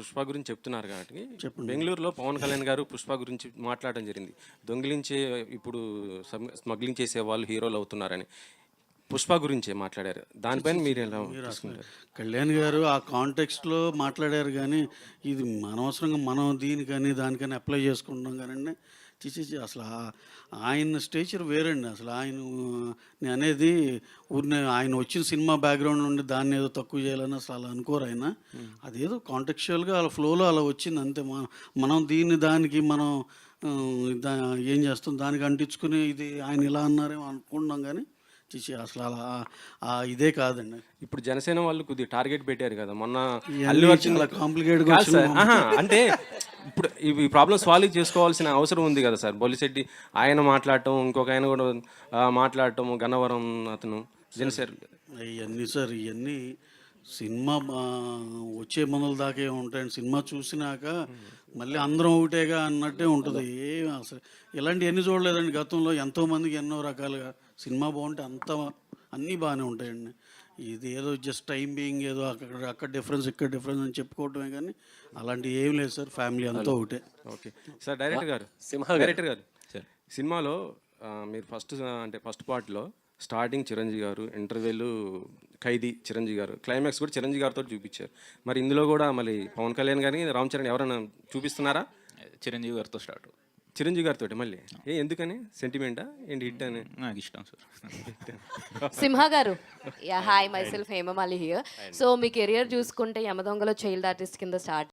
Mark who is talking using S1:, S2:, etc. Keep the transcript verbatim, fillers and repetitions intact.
S1: పుష్ప గురించి చెప్తున్నారు కాబట్టి
S2: చెప్పండి.
S1: బెంగళూరులో పవన్ కళ్యాణ్ గారు పుష్ప గురించి మాట్లాడడం జరిగింది. దొంగిలించే ఇప్పుడు సమ్- స్మగ్లింగ్ చేసే వాళ్ళు హీరోలు అవుతున్నారని పుష్ప గురించే మాట్లాడారు. దానిపైన మీరు ఎలా తీసుకుంటారు?
S2: కళ్యాణ్ గారు ఆ కాంటెక్స్ట్లో మాట్లాడారు కానీ ఇది అనవసరంగా మనం దీనికని దానికని అప్లై చేసుకుంటున్నాం కానీ చిచి అసలు ఆ- ఆయన స్టేచర్ వేరండి. అసలు ఆయన నేను అనేది ఊరిని ఆయన వచ్చిన సినిమా బ్యాక్గ్రౌండ్ నుండి దాన్ని ఏదో తక్కువ చేయాలని అసలు అలా అనుకోరు ఆయన. అదేదో కాంటెక్చువల్గా అలా ఫ్లోలో అలా వచ్చింది అంతే. మనం మనం దీన్ని దానికి మనం ఆ, దా ఏం చేస్తాం దానికి అంటించుకుని ఇది ఆయన ఇలా అన్నారేమో అనుకుంటున్నాం కానీ చిచి అసలు అలా ఆ ఇదే కాదండి.
S1: ఇప్పుడు జనసేన వాళ్ళు కొద్దిగా టార్గెట్ పెట్టారు కదా మొన్న.
S2: ఇవన్నీ
S1: అల్లు అర్జున్
S2: చాలా complicated గా
S1: కాదు
S2: వచ్చింది
S1: సార్. ఆహా, అంటే ఇప్పుడు ఈ ప్రాబ్లం సాల్వ్ చేసుకోవాల్సిన అవసరం ఉంది కదా సార్. బొలిశెట్టి ఆయన మాట్లాడటం, ఇంకొక ఆయన కూడా ఆ, మాట్లాడటం, గన్నవరం అతను జనసేన.
S2: ఇవన్నీ సార్ ఇవన్నీ సినిమా ఆ, వచ్చే మనల దాకే ఉంటాయండి. సినిమా చూసినాక మళ్ళీ అందరం ఒకటేగా అన్నట్టే ఉంటుంది. ఏ అసలు ఇలాంటివన్నీ చూడలేదండి గతంలో. ఎంతోమందికి ఎన్నో రకాలుగా సినిమా బాగుంటే అంత అన్నీ బాగానే ఉంటాయండి. ఇది ఏదో జస్ట్ టైం బీయింగ్ ఏదో అక్కడ అక్కడ డిఫరెన్స్ ఇక్కడ డిఫరెన్స్ అని చెప్పుకోవటమే కానీ అలాంటివి ఏం లేదు సార్. ఫ్యామిలీ అంతా ఒకటే.
S1: Okay sir. డైరెక్టర్ గారు
S3: సింహ
S1: డైరెక్టర్ గారు సినిమాలో ఆ, మీరు ఫస్ట్ అంటే ఫస్ట్ పార్ట్లో స్టార్టింగ్ చిరంజీవి గారు, ఇంటర్వెల్ ఖైదీ చిరంజీవి గారు, క్లైమాక్స్ కూడా చిరంజీవి గారితో చూపించారు. మరి ఇందులో కూడా మళ్ళీ పవన్ కళ్యాణ్ గారిని రామ్ చరణ్ ఎవరైనా చూపిస్తున్నారా?
S3: చిరంజీవి గారితో స్టార్ట్.
S1: చిరంజీవి గారితో మళ్ళీ ఏ ఎందుకని? సెంటిమెంటా ఏంటి? హిట్ అని
S3: నాకు ఇష్టం sir.
S4: Simha garu, yeah hi, myself Hemamali here. So మీ కెరియర్ చూసుకుంటే యమదొంగలో చైల్డ్ ఆర్టిస్ట్ కింద స్టార్ట్